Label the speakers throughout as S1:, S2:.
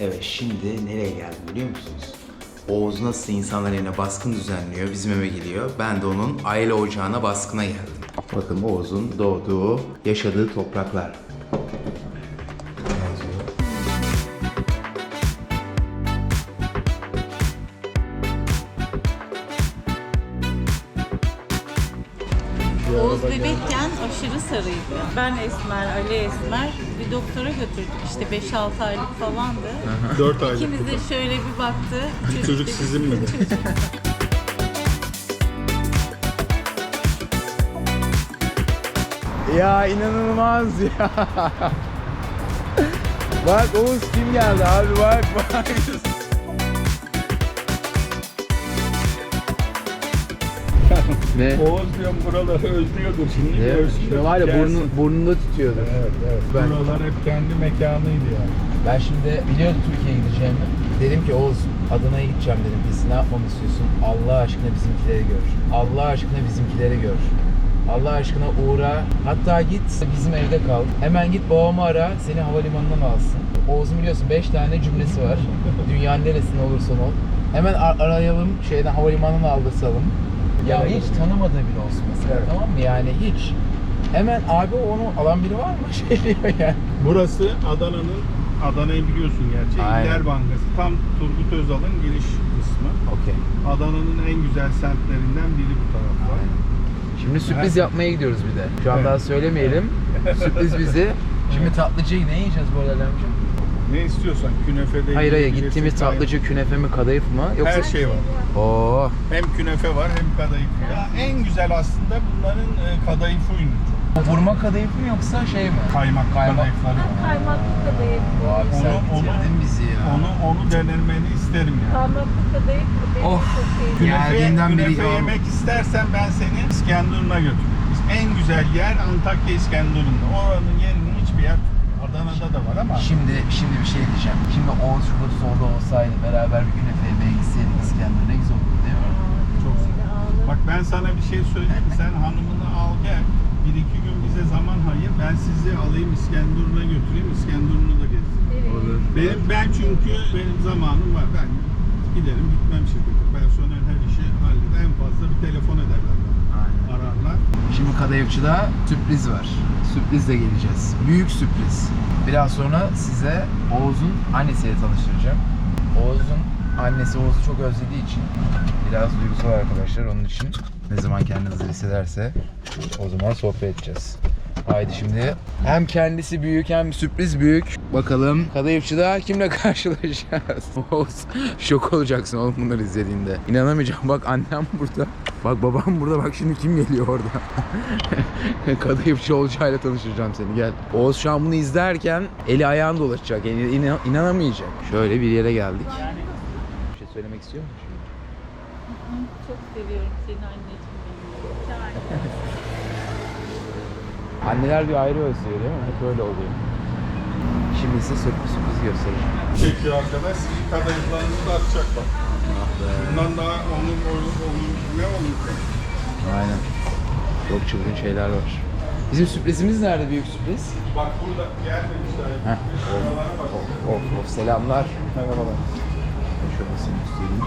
S1: Evet, şimdi nereye geldim biliyor musunuz? Oğuz nasıl insanların evine baskın düzenliyor, bizim eve geliyor. Ben de onun aile ocağına baskına geldim. Bakın Oğuz'un doğduğu, yaşadığı topraklar.
S2: Oğuz bebekken aşırı sarıydı. Ben esmer, Ali esmer. Bir doktora götürdük işte 5-6 aylık falandı.
S3: 4 aylık.
S2: İkimiz de şöyle bir baktı.
S3: Çocuk sizin mi?
S1: Ya inanılmaz ya. Bak Oğuz kim geldi abi, bak. Ne?
S3: Oğuz diyorum buraları özlüyordur şimdi. Özlüyor.
S1: Var ya
S3: Gelsin.
S1: burnunda tutuyordu.
S3: Evet. Buralar hep kendi mekanıydı yani.
S1: Ben şimdi biliyordum Türkiye'ye gideceğimi. Dedim ki Oğuz, Adana'ya gideceğim dedim. Biz ne yapmamı istiyorsun? Allah aşkına bizimkileri gör. Allah aşkına bizimkileri gör. Allah aşkına uğra. Hatta git bizim evde kal. Hemen git babamı ara, seni havalimanından alsın. Oğuz'un biliyorsun 5 tane cümlesi var. Dünyanın neresinde olursan ol. Hemen arayalım, havalimanına aldırsalım. Ya hiç tanımadığı biri olsun mesela,
S3: Evet.
S1: tamam mı? Yani hiç. Hemen abi onu alan biri var mı? Diyor yani.
S3: Burası Adana'yı biliyorsun gerçi.
S1: Aynen.
S3: İller Bankası. Tam Turgut Özal'ın giriş kısmı.
S1: Okey.
S3: Adana'nın en güzel semtlerinden biri bu tarafta.
S1: Şimdi sürpriz yapmaya gidiyoruz bir de. Şu an
S3: Evet.
S1: daha söylemeyelim. Sürpriz bizi. Şimdi tatlıcıyı ne yiyeceğiz bu arada amcam?
S3: Ne istiyorsan künefe de
S1: Hayır
S3: yiyebilirsin,
S1: gittiğimiz tatlıcı künefe mi kadayıf mı? Yoksa...
S3: Her şey var.
S1: Oo.
S3: Hem künefe var hem kadayıf. Ya en güzel aslında bunların kadayıfı ünlü.
S1: Vurma kadayıf mı yoksa şey mi?
S3: Kaymak kadayıfları var.
S2: Kaymaklı kadayıf.
S1: Abi sen bitirdin bizi ya.
S3: Onu denemeni isterim yani.
S2: Kaymaklı kadayıf benim
S1: Of.
S2: çok sevdiğim.
S1: Geldiğinden beri
S3: künefe
S1: ya.
S3: yemek istersen ben seni İskenderun'a götürürüm. En güzel yer Antakya İskenderun'da. Oranın yerini hiçbir yer Adana'da da var ama
S1: Şimdi bir şey diyeceğim. Şimdi Oğuz şurada solda olsaydı, beraber bir künefe yemeye gitseydik İskender, ne güzel olurdu değil mi?
S3: çok güzel. Bak ben sana bir şey söyleyeyim mi? Sen hanımını al gel. 1-2 gün bize zaman ayır. Ben sizi alayım İskenderun'a götüreyim. İskenderun'u da gezsin.
S1: Olur.
S3: Ben çünkü benim zamanım var. Ben giderim gitmem şirkete. Personel her işi halleder. En fazla bir telefon ederler bana.
S1: Aynen.
S3: Ararlar.
S1: Şimdi kadayıfçıda sürpriz var. Sürprizle geleceğiz. Büyük sürpriz. Biraz sonra size Oğuz'un annesiyle tanıştıracağım. Oğuz'un annesi Oğuz'u çok özlediği için biraz duygusal arkadaşlar, onun için ne zaman kendini hazır hissederse o zaman sohbet edeceğiz. Haydi şimdi hem kendisi büyük hem sürpriz büyük. Bakalım kadayıfçıda kimle karşılaşacağız? Oğuz şok olacaksın oğlum bunları izlediğinde. İnanamayacağım, bak annem burada. Bak babam burada, bak şimdi kim geliyor orada. Kadayıfçı olacağıyla tanıştıracağım seni, gel. Oğuz şu an bunu izlerken eli ayağın dolaşacak, yani inanamayacak. Şöyle bir yere geldik. Bir şey söylemek istiyor musun şimdi?
S2: Çok seviyorum seni anneciğim benim.
S1: Anneler bir ayrı özlüyor değil mi? Hep öyle oluyor. Şimdi size sürpriz göstereceğim.
S3: Çekiyor arkadaş. Sizin kadayıflarınızı da atacak bak. Bundan daha onun ne olur?
S1: Aynen. Çok çılgın şeyler var. Bizim sürprizimiz nerede, büyük sürpriz?
S3: Bak burada gelmemişler.
S1: Heh.
S3: Buralara bak.
S1: Of selamlar. Merhabalar. Şöyle seni göstereyim.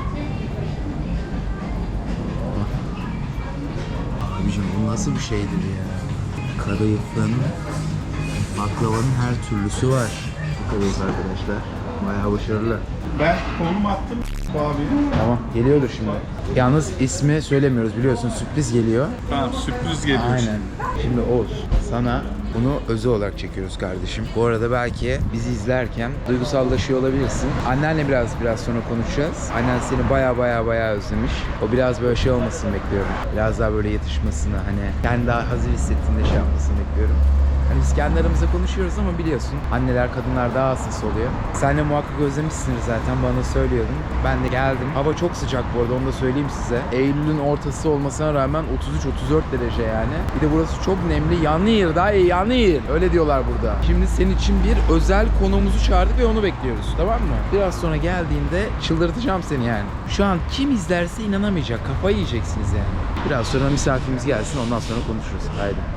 S1: Abicim bu nasıl bir şeydir ya? Kadayıfların, baklavanın her türlüsü var. Bakıyoruz arkadaşlar. Bayağı başarılı.
S3: Ben konum attım bu abinin.
S1: Tamam, geliyordur şimdi. Yalnız ismi söylemiyoruz, biliyorsun, sürpriz geliyor.
S3: Tamam sürpriz geliyor.
S1: Aynen. Şimdi Oğuz, sana bunu özel olarak çekiyoruz kardeşim. Bu arada belki bizi izlerken duygusallaşıyor olabilirsin. Annenle biraz sonra konuşacağız. Annen seni baya özlemiş. O biraz böyle şey olmasını bekliyorum. Biraz daha böyle yatışmasını, hani kendi daha hazır hissettiğinde şey yapmasını bekliyorum. Hani biz kendi aramızda konuşuyoruz ama biliyorsun anneler, kadınlar daha hassas oluyor. Sen de muhakkak özlemişsindir zaten, bana söylüyordun. Ben de geldim. Hava çok sıcak bu arada, onu da söyleyeyim size. Eylül'ün ortası olmasına rağmen 33-34 derece yani. Bir de burası çok nemli. Yanıyor daha iyi, yanıyor. Öyle diyorlar burada. Şimdi senin için bir özel konuğumuzu çağırdık ve onu bekliyoruz. Tamam mı? Biraz sonra geldiğinde çıldırtacağım seni yani. Şu an kim izlerse inanamayacak. Kafayı yiyeceksiniz yani. Biraz sonra misafirimiz gelsin, ondan sonra konuşuruz. Haydi.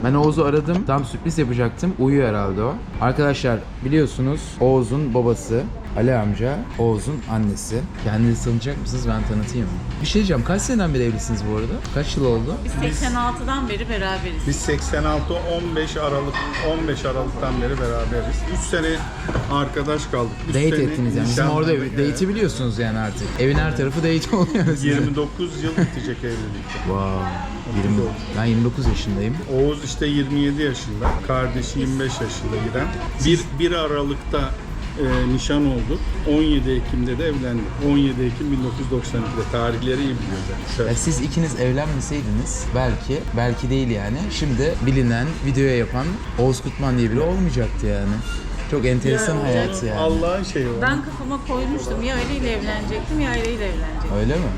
S1: Ben Oğuz'u aradım. Tam sürpriz yapacaktım. Uyuyor herhalde o. Arkadaşlar biliyorsunuz Oğuz'un babası Ali amca, Oğuz'un annesi. Kendinizi tanıyacak mısınız? Ben tanıtayım mı? Bir şey diyeceğim. Kaç seneden beri evlisiniz bu arada? Kaç yıl oldu?
S2: Biz 86'dan beri beraberiz.
S3: Biz 15 Aralık'tan beri beraberiz. 3 sene arkadaş kaldık. Üç
S1: Date
S3: sene
S1: ettiniz yani. Bizim orada
S3: nişanlandık.
S1: date'i biliyorsunuz yani artık. Evin her tarafı date oluyor sizin.
S3: 29 yıl bitecek evlilikte.
S1: Wow. 20, ben 29 yaşındayım.
S3: Oğuz işte 27 yaşında, kardeşi 25 yaşında İrem. 1 Aralık'ta nişan olduk. 17 Ekim'de de evlendik. 17 Ekim 1992'de tarihleri iyi biliyorlar.
S1: Ya siz ikiniz evlenmeseydiniz belki değil yani. Şimdi bilinen, videoya yapan Oğuz Kutman diye biri olmayacaktı yani. Çok enteresan hayat yani.
S3: Allah'ın şeyi o.
S2: Ben kafama koymuştum ya aileyle evlenecektim ya aileyle evlenecektim.
S1: Öyle mi?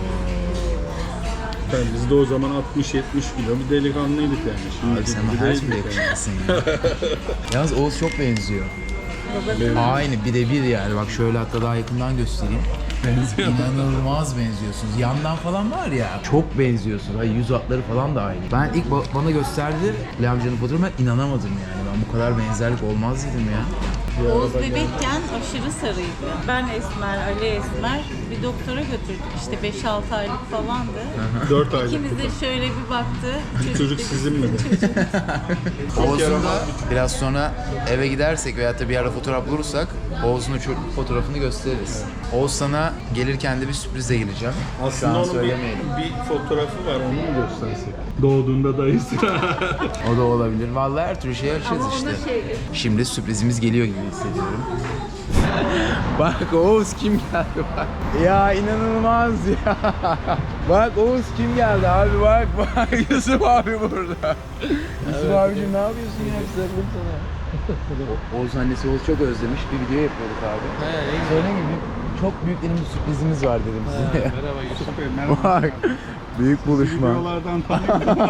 S3: Biz de o zaman 60-70 kilo bir delikanlıydık yani. Şimdi
S1: Abi sen
S3: gibi
S1: her
S3: değildik
S1: türlü
S3: yani.
S1: yakışıklısın ya. Yalnız Oğuz çok benziyor. Aynı birebir yani. Bak şöyle hatta daha yakından göstereyim. Benziyor. İnanılmaz benziyorsunuz. Yandan falan var ya. Çok benziyorsunuz. Ay yüz hatları falan da aynı. Ben ilk bana gösterdi Ali amcanın fotoğrafını, ben inanamadım yani. Ben bu kadar benzerlik olmaz dedim ya.
S2: Oğuz bebekken aşırı sarıydı. Ben Esmer, Ali Esmer bir doktora götürdük işte 5-6 aylık falandı.
S3: 4 aylık.
S2: İkimiz de şöyle bir baktı.
S3: Çocuk
S2: dedi,
S3: sizin mi?
S1: Oğuz'un da biraz sonra eve gidersek veyahut da bir ara fotoğraf bulursak Oğuz'un çocuk fotoğrafını gösteririz. Oğuz sana gelirken de bir sürprize geleceğim. Şu
S3: Aslında
S1: an
S3: onun
S1: söylemeyelim.
S3: bir fotoğrafı var, onu mu göstersek? Doğduğunda dayısı.
S1: O da olabilir. Vallahi her türlü şey açacağız
S2: Ama
S1: işte.
S2: onda şey,
S1: Şimdi sürprizimiz geliyor gibi hissediyorum. Bak Oğuz kim geldi bak. Ya inanılmaz ya. Bak Oğuz kim geldi abi bak Yusuf abi burada. Yusuf abicim ne yapıyorsun ya? Sarıldım sana. Oğuz annesi Oğuz çok özlemiş. Bir video yapıyorduk abi. Söyleyeyim mi? Çok büyük bir sürprizimiz var dedim size.
S3: Merhaba Yusuf Bey, merhaba.
S1: Bak büyük buluşma.
S3: Videolardan tanıyorum.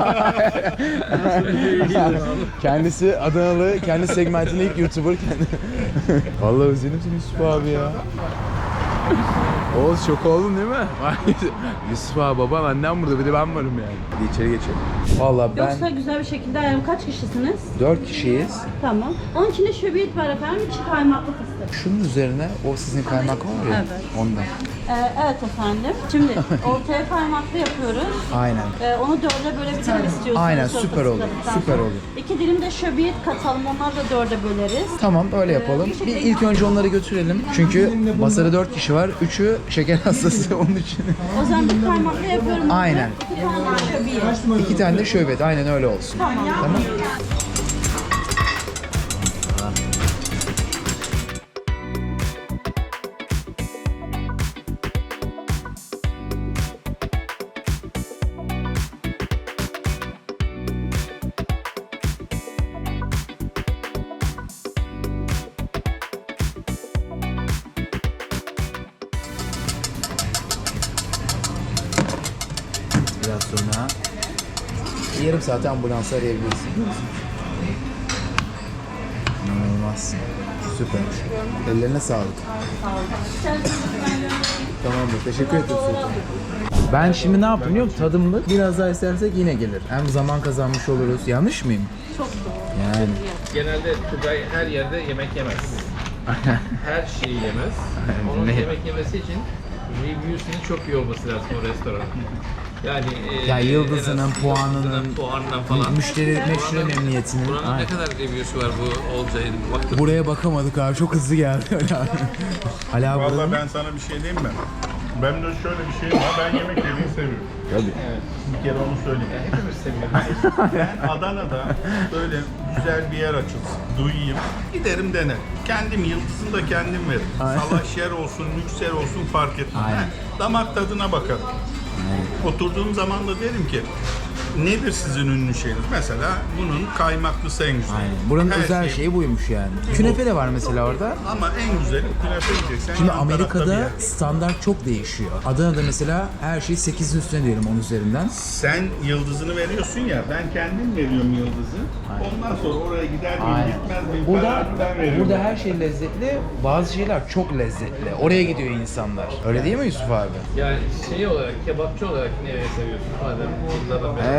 S1: Kendisi Adanalı, kendi segmentinde ilk YouTuber kendi. Vallahi özledim seni Yusuf abi ya. Oğuz şok oldun değil mi? Yusuf abi baban annem burada bir de ben varım yani. Bir içeri geçelim. Vallahi ben
S4: Yoksa güzel bir şekilde ayarım. Kaç kişisiniz?
S1: 4 kişiyiz.
S4: Tamam. Onun içinde şöbiyet var efendim. İçi kaymaklı fıstık.
S1: Şunun üzerine o sizin kaymak var ya
S4: Evet.
S1: ondan.
S4: Evet efendim. Şimdi ortaya kaymaklı yapıyoruz.
S1: Aynen.
S4: Onu dörde bölebilirim istiyorsanız.
S1: Aynen,
S4: şöyle
S1: süper olur,
S4: fıstıktan
S1: süper
S4: sonra.
S1: olur.
S4: 2 dilim de şöbiyet katalım. Onları da dörde böleriz.
S1: Tamam öyle yapalım.
S4: bir
S1: Bir
S4: şekilde-
S1: ilk önce onları götürelim. Çünkü masada 4 kişi var. 3'ü şeker hastası onun için.
S4: O zaman bir kaymaklı yapıyorum.
S1: Aynen.
S4: 2 tane de şöbiyet.
S1: 2 tane de şöbet. Aynen öyle olsun. Tamam. Biraz sonra yarım saate ambulansı arayabilirsin. İnanılmaz. Süper. Ellerine sağlık. Tamamdır. Teşekkür ederim Sultan. Ben şimdi ne yapayım biliyor musun? Tadımlık biraz daha istersek yine gelir. Hem zaman kazanmış oluruz. Yanlış mıyım?
S2: çok doğru.
S1: Yani.
S5: Genelde Tugay her yerde yemek yemez. Her şeyi yemez. Onun
S1: Ne?
S5: yemek yemesi için review'sunun çok iyi olması lazım o restoranın. Yani
S1: Ya yıldızının,
S5: en az
S1: puanının,
S5: puanından falan.
S1: Müşteri memnuniyetinin.
S5: Buranın
S1: Aynen.
S5: ne kadar review'su var bu Olcay'ın? Baktık.
S1: Buraya bakamadık abi. Çok hızlı geldi. Ali abi
S3: Vallahi
S1: buranın-
S3: ben sana bir şey diyeyim mi? Ben de şöyle bir şey var, ben yemek yemeyi seviyorum.
S1: Tabii.
S3: Bir kere onu söyleyeyim.
S5: Hepimiz seviyoruz.
S3: Ben Adana'da böyle güzel bir yer açılsın, duyayım, giderim denerim. Kendim yıldızını da kendim veririm. Salaş yer olsun, lüks yer olsun fark etmez.
S1: Aynen.
S3: Damak tadına bakarım. Oturduğum zaman da derim ki, nedir sizin ünlü şeyiniz? Mesela bunun kaymaklısı en güzel.
S1: Aynen. Buranın
S3: Her
S1: özel
S3: şey-
S1: şeyi buymuş yani. Künefe de var mesela orada.
S3: Ama en güzeli künefe yiyeceksen.
S1: Şimdi
S3: yan tarafta bir
S1: Amerika'da
S3: yer.
S1: standart çok değişiyor. Adana'da mesela her şey 8'in üstüne diyelim 10 üzerinden.
S3: Sen yıldızını veriyorsun ya, ben kendim veriyorum yıldızı. Ondan sonra oraya gider miyim, gitmez miyim
S1: Burada,
S3: kararını ben veriyorum.
S1: burada her şey lezzetli, bazı şeyler çok lezzetli. Oraya gidiyor insanlar. Öyle değil mi Yusuf abi?
S5: Yani şey olarak, kebapçı olarak nereye seviyorsun? Madem yıllardan beri.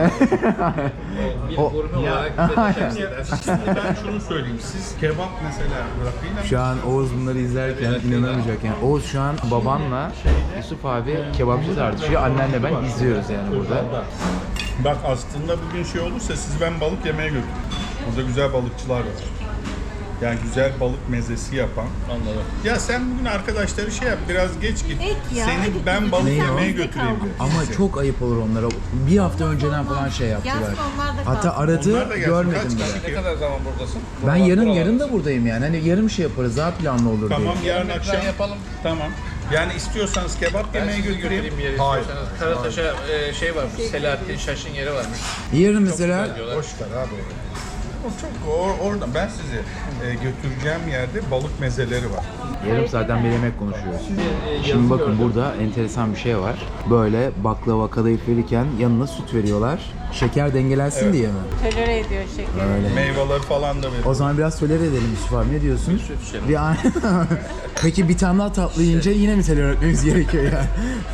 S5: Bir
S1: O-
S5: gurme olarak bize tavsiye edersin.
S3: Şimdi ben şunu söyleyeyim. Siz kebap mesela rakıyla
S1: Şu an Oğuz bunları izlerken inanamayacak yani. Oğuz şu an babanla Yusuf abi kebapçı tartışıyor. Annenle ben izliyoruz yani burada.
S3: Bak aslında bugün şey olursa siz ben balık yemeye götürün. Burada güzel balıkçılar var. Yani güzel balık mezesi yapan.
S5: Anladım.
S3: Ya sen bugün arkadaşları şey yap, biraz geç git.
S2: ya,
S3: Seni
S2: hadi
S3: ben balık
S1: Ne o?
S3: yemeye götüreyim diyor.
S1: Ama çok ayıp olur onlara. Bir hafta önceden falan şey yaptılar.
S2: Gelsin onlar da
S1: Hatta
S2: kalsın.
S1: aradı,
S3: Onlar da gelsin.
S1: görmedim
S3: Kaç
S1: bile.
S3: kişi?
S5: Ne kadar zaman buradasın?
S1: Ben yarın da buradayım yani. Hani yarım şey yaparız, daha planlı olur
S3: Tamam
S1: diye.
S3: yarın akşam
S5: yapalım.
S3: Tamam. Yani istiyorsanız kebap
S5: Ben
S3: yemeye
S5: sizi
S3: götüreyim.
S5: götüreyim bir yere
S3: Hayır.
S5: istiyorsanız. Karataş'a şey varmış, Selahattin Şaş'ın yeri varmış.
S1: Yarın mesela
S5: Güzel diyorlar.
S3: Boş ver abi. O çok orada ben sizi götüreceğim yerde balık mezeleri var.
S1: yarım saatten bir yemek konuşuyoruz.
S5: yazı
S1: Şimdi bakın
S5: gördüm.
S1: burada enteresan bir şey var. Böyle baklava kadayıf verirken yanına süt veriyorlar. Şeker dengelensin diye mi?
S2: Tolere ediyor şekeri.
S1: Öyle.
S3: Meyveleri falan da
S1: O
S3: veriyor.
S1: zaman biraz tolere edelim Yusuf abi. Ne diyorsun?
S5: Süt içelim.
S1: Bir an... Peki bir tane daha tatlı yiyince yine mi tolere etmemiz gerekiyor ya?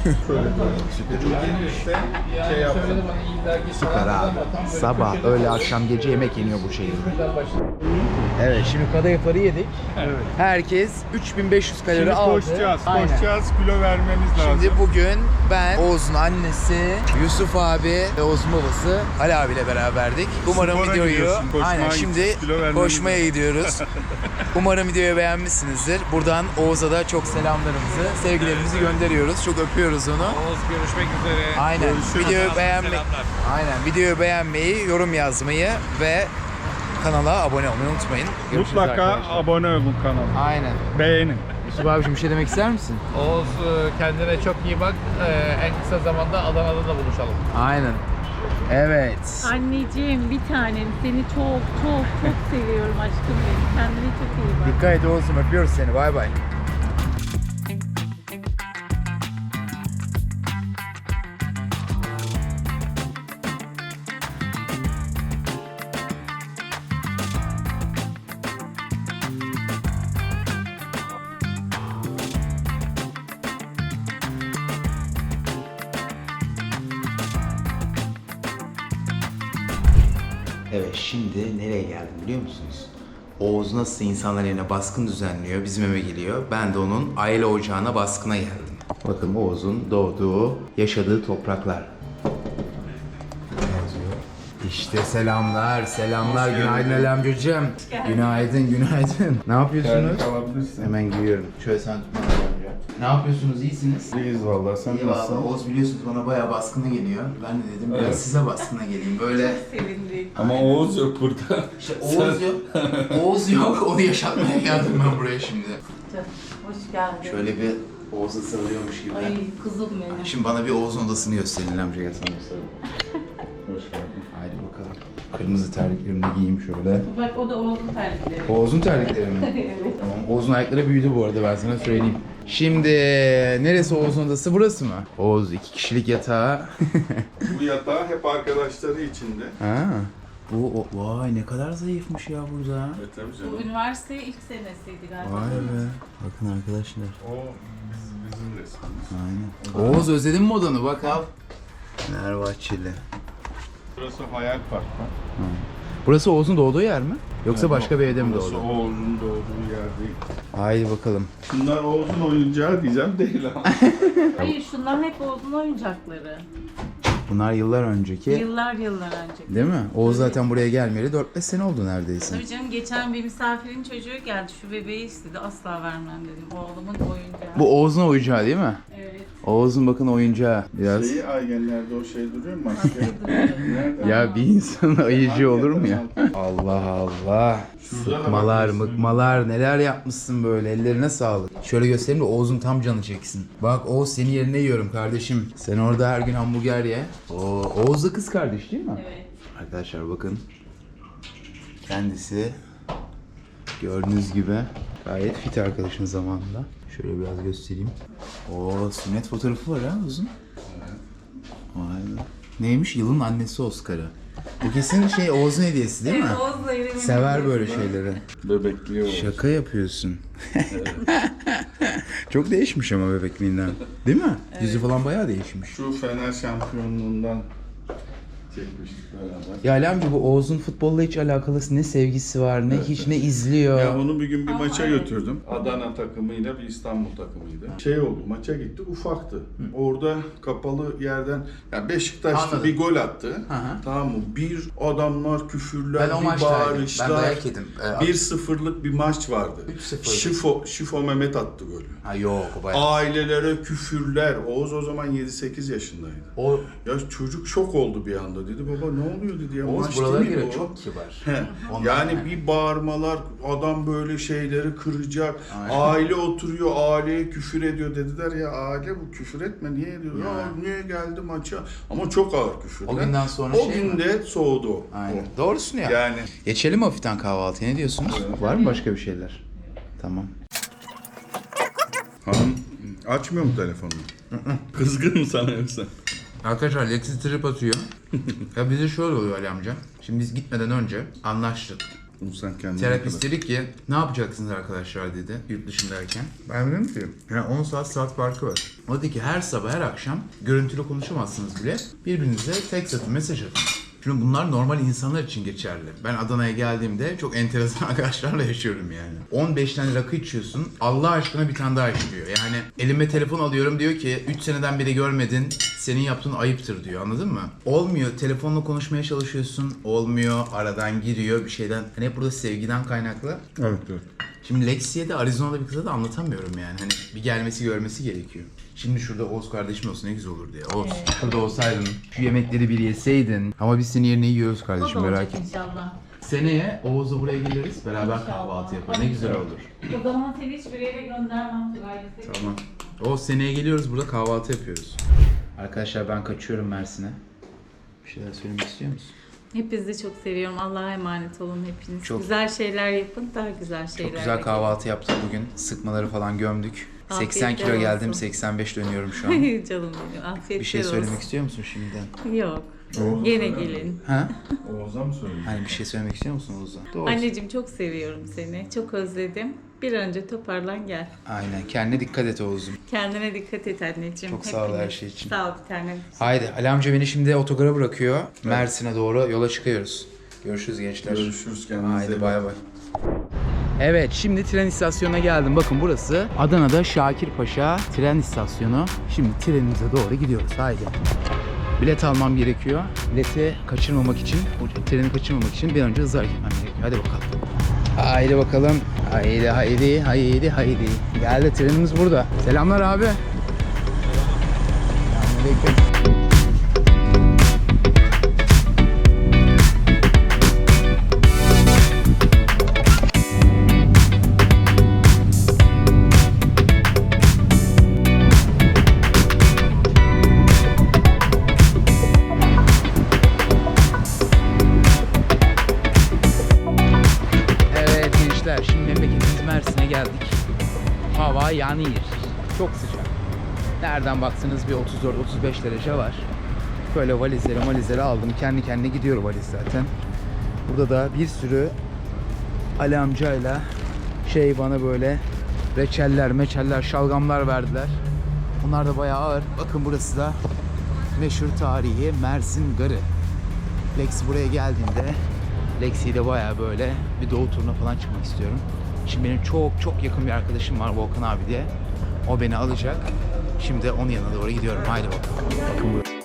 S3: İşte şey yaptım.
S5: Söyledim hani illa ki
S1: Süper abi. Sabah, öğle, akşam, gece yemek yeniyor bu şehirde. Evet, şimdi kadayıfları yedik.
S3: Evet.
S1: Herkes 3500 kalori
S3: Şimdi
S1: aldı.
S3: koşacağız,
S1: Aynen.
S3: koşacağız, kilo vermemiz lazım.
S1: Şimdi bugün ben, Oğuz'un annesi, Yusuf abi ve Oğuz'un babası Ali abiyle beraberdik. Umarım
S3: Spora
S1: videoyu
S3: gidiyorsun, koşmaya
S1: aynen şimdi
S3: gideceğiz, kilo vermemiz
S1: koşmaya gidiyoruz. Umarım videoyu beğenmişsinizdir. Buradan Oğuz'a da çok selamlarımızı, sevgilerimizi gönderiyoruz. Çok öpüyoruz onu.
S5: Oğuz görüşmek üzere.
S1: Aynen.
S3: Görüşürüz.
S1: Videoyu beğenmeyi,
S5: Selamlar.
S1: aynen. Videoyu beğenmeyi, yorum yazmayı ve kanala abone olmayı unutmayın. Görüşürüz
S3: Mutlaka
S1: arkadaşlar.
S3: abone olun kanala.
S1: Aynen.
S3: Beğenin.
S1: Yusuf abiciğim bir şey demek ister misin?
S5: Oğuz kendine çok iyi bak. En kısa zamanda Adana'da da buluşalım.
S1: Aynen. Evet.
S2: Anneciğim bir tanem seni çok çok çok seviyorum aşkım benim. Kendine çok iyi bak.
S1: Dikkat et Oğuz'um, öpüyoruz seni. Bay bay. Evet, şimdi nereye geldim biliyor musunuz? Oğuz nasıl insanlar yerine baskın düzenliyor, bizim eve geliyor. Ben de onun aile ocağına baskına geldim. Bakın Oğuz'un doğduğu, yaşadığı topraklar. Yazıyor. İşte selamlar, selamlar. Günaydın Ali amcacığım. Günaydın, günaydın. Ne yapıyorsunuz?
S3: Alabilirsin.
S1: Hemen giyiyorum. Şöyle sen tutma Ali amca. Ne yapıyorsunuz, iyisiniz?
S3: İyiyiz vallahi. Sen
S1: İyi valla. Oğuz biliyorsunuz bana bayağı baskına geliyor. Ben de dedim biraz size baskına geleyim. Böyle
S2: Sevindik.
S3: Ama Oğuz yok burada.
S1: İşte Oğuz yok. Oğuz yok. Onu yaşatmaya geldim ben buraya şimdi.
S2: Hoş geldin.
S1: Şöyle bir Oğuz'a sarılıyormuş gibi.
S2: Ay kızım benim.
S1: Şimdi bana bir Oğuz'un odasını gösterin amca, gel sana göstereyim. Hoş geldin. Haydi bakalım. Kırmızı terliklerimi de giyeyim şöyle.
S2: Bak o da oğlum terlikleri.
S1: Oğuz'un terlikleri mi?
S2: Evet.
S1: Tamam. Oğuz'un ayakları büyüdü bu arada, ben sana söyleyeyim. Şimdi neresi Oğuz'un odası, burası mı? Oğuz 2 kişilik yatağı.
S3: Bu yatağı hep arkadaşları içinde.
S1: Ha. Vay ne kadar zayıfmış ya burada.
S3: Evet tabii
S2: Bu
S3: canım.
S2: üniversite ilk senesiydi galiba.
S1: Vay be. Bakın arkadaşlar.
S3: O bizim resmimiz.
S1: Aynen. Oğuz özledin mi odanı? Bak al. Fenerbahçeli.
S3: Burası Hayal Park var.
S1: Burası Oğuz'un doğduğu yer mi? Yoksa
S3: Yani
S1: başka bir evde mi
S3: burası
S1: doğdu?
S3: Oğuz'un doğduğu yer değil.
S1: Haydi bakalım.
S3: Bunlar Oğuz'un oyuncağı diyeceğim değil ama.
S2: Hayır şunlar hep Oğuz'un oyuncakları.
S1: Bunlar yıllar önceki.
S2: Yıllar önce.
S1: Değil mi? Oğuz zaten buraya gelmeyeli 4-5 sene oldu neredeyse.
S2: Tabii canım geçen bir misafirin çocuğu geldi şu bebeği istedi asla vermem dedim oğlumun oyuncağı.
S1: Bu Oğuz'un oyuncağı değil mi?
S2: Evet.
S1: Oğuz'un bakın oyuncağı. Biraz.
S3: Şeyi Aygenler'de o şey duruyor mu? Maske. Nerede?
S1: Ya bir insanın ayıcı olur mu ya? Allah Allah.
S3: Şurada da
S1: Sıkmalar,
S3: bakıyorsun.
S1: mıkmalar, neler yapmışsın böyle, ellerine sağlık. Şöyle göstereyim de Oğuz'un tam canı çeksin. Bak Oğuz, senin yerine yiyorum kardeşim. Sen orada her gün hamburger ye. Oğuz da kız kardeş değil mi?
S2: Evet.
S1: Arkadaşlar bakın. Kendisi gördüğünüz gibi gayet fit arkadaşın zamanında. Şöyle biraz göstereyim. Oo, sünnet fotoğrafı var ha Oğuz'un. Vay be. Neymiş? Yılın annesi Oscar'ı. Bu kesin şey Oğuz'un hediyesi değil mi?
S2: Oğuz'la elimin
S1: Sever böyle şeyleri.
S3: Bebekliyor.
S1: Şaka yapıyorsun. Çok değişmiş ama bebekliğinden. Değil mi? Yüzü falan bayağı değişmiş.
S3: Şu Fener şampiyonluğundan Çekmiştik beraber.
S1: Ya Ali amca bu Oğuz'un futbolla hiç alakalı ne sevgisi var, ne hiç ne izliyor.
S3: Ya onu bir gün bir
S2: Ama
S3: maça
S2: evet.
S3: götürdüm. Adana takımıyla bir İstanbul takımıydı. Şey oldu, maça gitti, ufaktı. Orada kapalı yerden, ya Beşiktaş'ta
S1: Anladım.
S3: bir gol attı.
S1: Hı.
S3: Tamam mı? Bir adamlar küfürler,
S1: Ben o
S3: bir
S1: maçtaydım. Ben
S3: bağırışlar.
S1: dayak yedim.
S3: 1-0'lık bir maç vardı.
S1: 3-0.
S3: Şifo Mehmet attı golü.
S1: Ha yok o bayağı.
S3: Ailelere küfürler. Oğuz o zaman 7-8 yaşındaydı.
S1: O
S3: Ya çocuk şok oldu bir anda. Dedi baba ne oluyor dedi ya.
S1: Oğuz
S3: maç
S1: buralara
S3: değil mi
S1: göre
S3: bu?
S1: çok kibar.
S3: He.
S1: Ondan
S3: Yani
S1: yani.
S3: bir bağırmalar, adam böyle şeyleri kıracak.
S1: Aynen.
S3: Aile oturuyor, aileye küfür ediyor dediler ya aile bu küfür etme niye ediyor? Ya niye geldi maça? Ama çok ağır küfürler.
S1: O günden sonra
S3: o
S1: şey mi?
S3: günde soğudu o.
S1: Aynen. Doğrusun ya.
S3: Yani
S1: Geçelim hafiften kahvaltıya. Ne diyorsunuz? Var mı başka bir şeyler? Tamam.
S3: hanım açmıyor mu telefonunu? Kızgın mı sana yoksa?
S1: Arkadaşlar Lexi trip atıyor. Ya bize şöyle oluyor Ali amca. Şimdi biz gitmeden önce anlaştık.
S3: Bunu sen kendin
S1: Terapist dedi ki ne yapacaksınız arkadaşlar dedi yurt dışındayken. Ben dedim ki yani 10 saat farkı var. O dedi ki her sabah her akşam görüntülü konuşamazsınız bile. Birbirinize text atın, mesaj atın. Şimdi bunlar normal insanlar için geçerli. Ben Adana'ya geldiğimde çok enteresan arkadaşlarla yaşıyorum yani. 15 tane rakı içiyorsun. Allah aşkına bir tane daha iç diyor. Yani elime telefon alıyorum diyor ki 3 seneden beri görmedin. Senin yaptığın ayıptır diyor. Anladın mı? Olmuyor. Telefonla konuşmaya çalışıyorsun. Olmuyor. Aradan giriyor bir şeyden. Hani hep burada sevgiden kaynaklı.
S3: Evet evet.
S1: Şimdi Lexi'ye de Arizona'da bir kıza da anlatamıyorum yani. Hani bir gelmesi görmesi gerekiyor. Şimdi şurada Oğuz kardeşim olsa ne güzel olur diye. Oğuz şurada olsaydın, şu yemekleri bir yeseydin. Ama biz senin yerine yiyoruz
S2: O
S1: kardeşim
S2: da
S1: merak
S2: olacak
S1: etme.
S2: inşallah.
S1: Seneye Oğuz'la buraya geliriz. Beraber kahvaltı yaparız. Ne güzel olur.
S2: O zaman seni hiçbir yere göndermem. Tugay'la.
S1: Tamam. Oğuz seneye geliyoruz burada kahvaltı yapıyoruz. Arkadaşlar ben kaçıyorum Mersin'e. Bir şeyler söylemek istiyor musun?
S2: Hepinizi çok seviyorum. Allah'a emanet olun hepiniz.
S1: Çok-
S2: Güzel şeyler yapın, daha güzel şeyler
S1: Çok güzel kahvaltı yaptık bugün. Sıkmaları falan gömdük. 80 kilo
S2: Afiyetler
S1: geldim,
S2: olsun.
S1: 85 dönüyorum şu an.
S2: Canım benim. Afiyetler
S1: Bir şey söylemek
S2: olsun.
S1: istiyor musun şimdiden?
S2: Yok. Yine gelin.
S1: Ha?
S3: Oğuz'a mı söyleyeyim?
S1: Hani bir şey söylemek istiyor musun Oğuz'a? Doğru.
S2: Anneciğim çok seviyorum seni. Çok özledim. Bir an önce toparlan gel.
S1: Aynen. Kendine dikkat et Oğuz'um.
S2: Kendine dikkat et anneciğim.
S1: Çok sağ ol her
S2: Hepiniz.
S1: şey için.
S2: Sağ ol bir tanem.
S1: Haydi Ali amca beni şimdi otogara bırakıyor. Mersin'e doğru yola çıkıyoruz. Görüşürüz gençler.
S3: Görüşürüz kendinize.
S1: Haydi bay bay. Evet şimdi tren istasyonuna geldim. Bakın burası Adana'da Şakirpaşa tren istasyonu. Şimdi trenimize doğru gidiyoruz. Haydi. Bilet almam gerekiyor. Bileti kaçırmamak için, bu treni kaçırmamak için bir an önce hızlı hareket etmem gerekiyor. Hadi bakalım. Haydi bakalım. Haydi haydi haydi haydi. Geldi trenimiz burada. Selamlar abi. Selamünaleyküm. Evet gençler, şimdi memleketimiz Mersin'e geldik. Hava yanıyor. Çok sıcak. Nereden baksanız bir 34-35 derece var. Böyle valizleri aldım. Kendi kendine gidiyor valiz zaten. Burada da bir sürü Ali amcayla bana böyle reçeller, şalgamlar verdiler. Bunlar da bayağı ağır. Bakın burası da meşhur tarihi Mersin Garı. Lex buraya geldiğinde Lexi'yi de bayağı böyle bir doğu turuna falan çıkmak istiyorum. Şimdi benim çok yakın bir arkadaşım var Volkan abi diye. O beni alacak. Şimdi onun yanına doğru gidiyorum. Haydi bakalım. Bakın buraya.